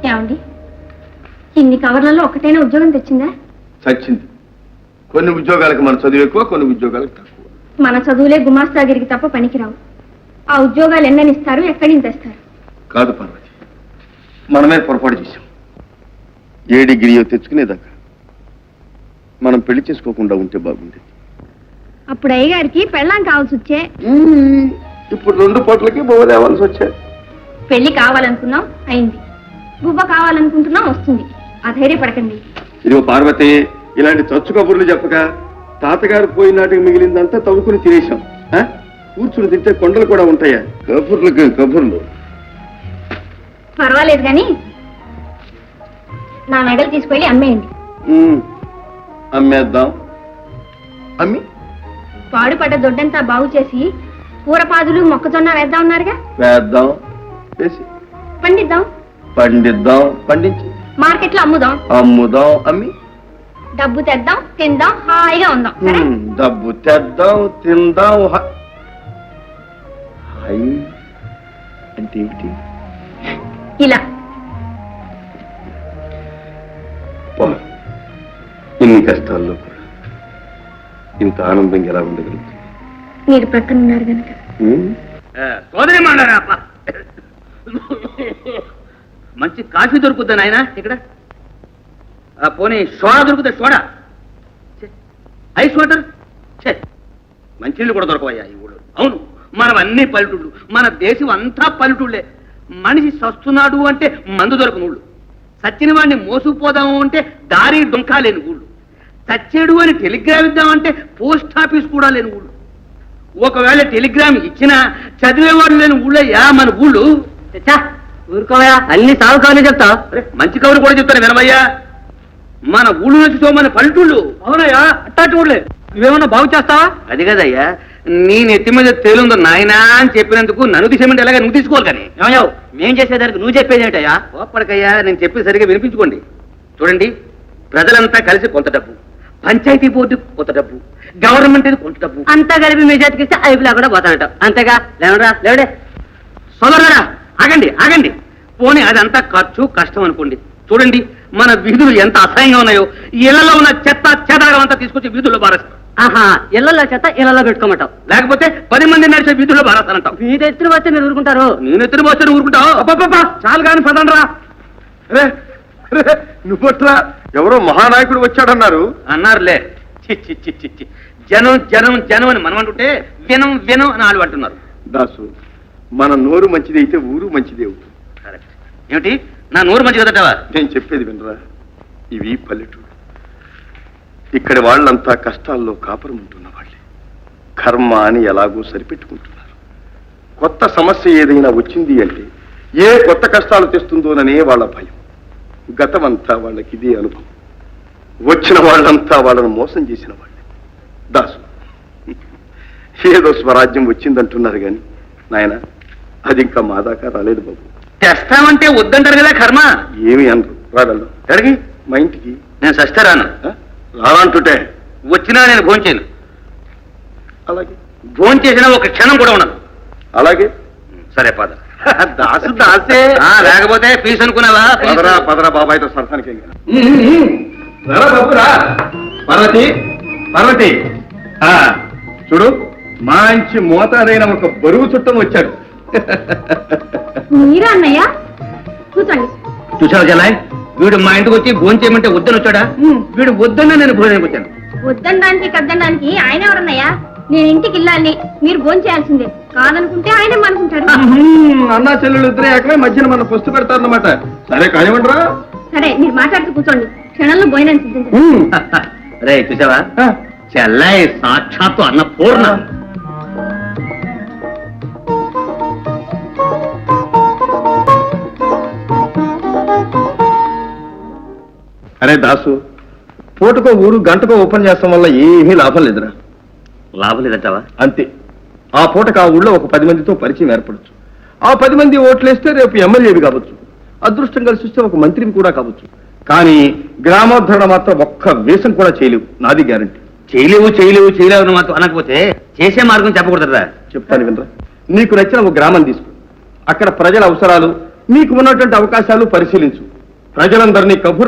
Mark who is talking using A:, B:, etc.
A: ఏమండి, ఇన్ని కవర్లలో ఒకటైనా ఉద్యోగం తెచ్చిందా?
B: చచ్చింది. కొన్ని ఉద్యోగాలకు మన చదువు ఎక్కువ, కొన్ని ఉద్యోగాలకు తక్కువ.
A: మన చదువులే గుమాస్తాగిరికి తప్ప పనికిరావు. ఆ ఉద్యోగాలు ఎన్ననిస్తారు, ఎక్కడి నుంచి తెస్తారు?
B: కాదు పార్వతి, మనమే పొరపాటు చేశాం. ఏ డిగ్రీయో తెచ్చుకునేదాకా మనం పెళ్లి చేసుకోకుండా ఉంటే బాగుండేది.
A: అప్పుడు అయ్యగారికి పెళ్ళాం కావాల్సి వచ్చే.
B: ఇప్పుడు 2 పూటలకి బొవ్వ తేవాల్సి వచ్చాయి.
A: పెళ్లి కావాలనుకున్నాం, అయింది. బువ్వ కావాలనుకుంటున్నాం, వస్తుంది. అధైర్యపడకండి.
B: ఇదిగో పార్వతి, ఇలాంటి చచ్చు కబుర్లు చెప్పక తాతగారు పోయినాటికి మిగిలిందంతా తవ్వుకుని తినేశాం. కూర్చుని తింటే కొండలు కూడా ఉంటాయా? కబుర్లకి కబుర్లు.
A: పర్వాలేదు కానీ నా మెడలు తీసుకెళ్ళి అమ్మేయండి.
B: అమ్మేద్దాం. అమ్మి
A: పాడుపడ్డ దొడ్డంతా బాగు చేసి కూరపాదులు మొక్కజొన్న వేద్దాం ఉన్నారుగా.
B: వేద్దాం, వేసి
A: పండిద్దాం.
B: పండిద్దాం, పండించి
A: మార్కెట్లో అమ్ముదాం.
B: అమ్ముదాం, అమ్మి
A: డబ్బు తెద్దాం, తిందాం, హాయిగా ఉందాం.
B: డబ్బు తెద్దాం, తిందాం. హాయ్ అంటే ఏమిటి?
A: ఇలా
B: ఇన్ని కష్టాల్లో కూడా ఇంత ఆనందంగా ఎలా ఉండగలుగుతుంది?
A: మీరు ప్రక్కన ఉన్నారు కనుక.
C: సోదరి మండరాప, మంచి కాఫీ దొరుకుద్దా నాయన ఇక్కడ? పోనీ సోడా దొరుకుతా? సోడా, ఐస్ వాటర్, మంచినీళ్ళు కూడా దొరకవయ్యా ఈ ఊళ్ళో. అవును, మనం అన్ని పల్లెటూళ్ళు, మన దేశం అంతా పల్లెటూళ్ళే. మనిషి సస్తున్నాడు అంటే మందు దొరకని ఊళ్ళు, సచ్చిన వాడిని మోసుకుపోదాము అంటే దారి డొంకా లేని ఊళ్ళు, చచ్చేడు అని టెలిగ్రామ్ ఇద్దామంటే పోస్ట్ ఆఫీస్ కూడా లేని ఊళ్ళు. ఒకవేళ టెలిగ్రామ్ ఇచ్చినా చదివేవాడు లేని ఊళ్ళయ్యా మన ఊళ్ళు. ఊరుకోవయా, అన్ని సాగు కవర్లు చెప్తా. మంచి కవులు కూడా చెప్తాను వినవయ్యా. మన ఊళ్ళు నుంచి మన పల్లెటూళ్ళు. అవునయ్యా, అట్టాటి ఊళ్ళే. నువ్వేమన్నా బాగు చేస్తావా? అది కదయ్యా, నీ నెత్తి మీద తేలుందో నాయనా అని చెప్పినందుకు నన్ను తీసేమంటే ఎలాగా నువ్వు తీసుకోవాలి. కానీ ఏమయ్యావు, మేం చేసేదానికి నువ్వు చెప్పేది ఏంటయ్యా? ఓపడకయ్యా, నేను చెప్పేది సరిగా వినిపించుకోండి. చూడండి, ప్రజలంతా కలిసి కొంత డబ్బు, పంచాయతీ బోర్డు కొంత డబ్బు, గవర్నమెంట్ కొంత డబ్బు అంతా కలిపి మీ చేతికిస్తే ఐపులా కూడా పోతానట. అంతేగా? లేవరా లేవడే సోదరుడా, ఆగండి ఆగండి. పోనీ అదంతా ఖర్చు కష్టం అనుకోండి. చూడండి, మన వీధులు ఎంత అసహ్యంగా ఉన్నాయో. ఇళ్లలో ఉన్న చెత్త చెదారం అంతా తీసుకొచ్చి వీధుల్లో బారేస్తారు. ఆహా, ఇళ్లలో చెత్త ఇళ్లలో పెట్టుకోమంటావు, లేకపోతే 10 మంది నడిచే వీధుల్లో బారేస్తానంటావు. మీ ఎత్తున వస్తే మీరు ఊరుకుంటారు? నేను ఎత్తున పోస్తే ఊరుకుంటావు? అబ్బా చాలు కానీ పదండ్రా.
B: నువ్వట్లా ఎవరో మహానాయకుడు వచ్చాడన్నారు.
C: అన్నారులే. జనం జనం జనం అని మనం అంటుంటే వినం వినం అని వాళ్ళు అంటున్నారు.
B: దాసు, మన నోరు మంచిది అయితే ఊరు మంచిది అవుతుంది.
C: కరెక్ట్. ఏమిటి నా నోరు మంచి కదటవా?
B: నేను చెప్పేది వినరా, ఇవి పల్లెటూరు. ఇక్కడి వాళ్ళంతా కష్టాల్లో కాపురం ఉంటున్న వాళ్ళే. కర్మ అని ఎలాగో సరిపెట్టుకుంటున్నారు. కొత్త సమస్య ఏదైనా వచ్చింది అంటే ఏ కొత్త కష్టాలు తెస్తుందోననే వాళ్ళ భయం. గతమంతా వాళ్ళకి ఇదే అనుభవం. వచ్చిన వాళ్ళంతా వాళ్ళను మోసం చేసిన వాళ్ళే. దాసు, ఏదో స్వరాజ్యం వచ్చిందంటున్నారు కానీ నాయన, అది ఇంకా మా దాకా రాలేదు బాబు.
C: తెస్తామంటే వద్దంటారు కదా కర్మ.
B: ఏమి అనరు. రాగలరు అడిగి మా ఇంటికి.
C: నేను సస్తే రాను.
B: రానంటుంటే
C: వచ్చినా నేను భోంచేయను.
B: అలాగే
C: భోంచేసినా ఒక క్షణం కూడా ఉండదు.
B: అలాగే
C: సరే పద.
B: దాసు దాసే.
C: లేకపోతే ఫీజు అనుకున్నావా?
B: పదరా పదరా బాబాయ్తో సరసానికి. బాబురా పార్వతి, పార్వతి చూడు, మంచి మోతాదైన ఒక బరువు చుట్టం వచ్చాడు.
A: మీరా అన్నయ్య? కూర్చోండి.
C: చూసావు జలాయ్, వీడు మా ఇంటికి వచ్చి భోజనం చేయమంటే వద్దని వచ్చాడా? వీడు వద్దన్నా నేను భోజనానికి వచ్చాను.
A: వద్దనడానికి కద్దనడానికి ఆయన ఎవరన్నయ్యా? నేను ఇంటికి వెళ్ళాలి, మీరు భోజనం చేయాల్సిందే. కాదనుకుంటే ఆయన అనుకుంటారు.
B: అన్నా చెల్లెలు ఇద్దరే ఏకమే మధ్యన మన పుస్తు పెడతారన్నమాట. సరే కానివ్వండిరా.
A: సరే, మీరు మాట్లాడుతూ కూర్చోండి, క్షణంలో భోజనం సిద్ధించండి.
C: రే చూసావా, చెల్లాయి సాక్షాత్తు అన్నపూర్ణ.
B: అరే దాసు, పూటకో ఊరు గంటకో ఓపెన్ చేస్తాం వల్ల ఏమీ లాభం లేదురా.
C: లాభం లేదంటావా?
B: అంతే. ఆ పూటకు ఆ ఊళ్ళో ఒక 10 మందితో పరిచయం ఏర్పడచ్చు. ఆ 10 మంది ఓట్లేస్తే రేపు ఎమ్మెల్యేవి కావచ్చు, అదృష్టం కలిసి వస్తే ఒక మంత్రిని కూడా కావచ్చు. కానీ గ్రామోద్ధరణ మాత్రం ఒక్క వేషం కూడా చేయలేవు, నాది గ్యారంటీ.
C: చేయలేవు చేయలేవు చేయలేవు మాత్రం అనకపోతే చేసే మార్గం చెప్పకూడదురా.
B: చెప్తాను వినరా. నీకు నచ్చిన ఒక గ్రామం తీసుకో, అక్కడ ప్రజల అవసరాలు, నీకు ఉన్నటువంటి అవకాశాలు పరిశీలించు. ప్రజలందరినీ కబుర్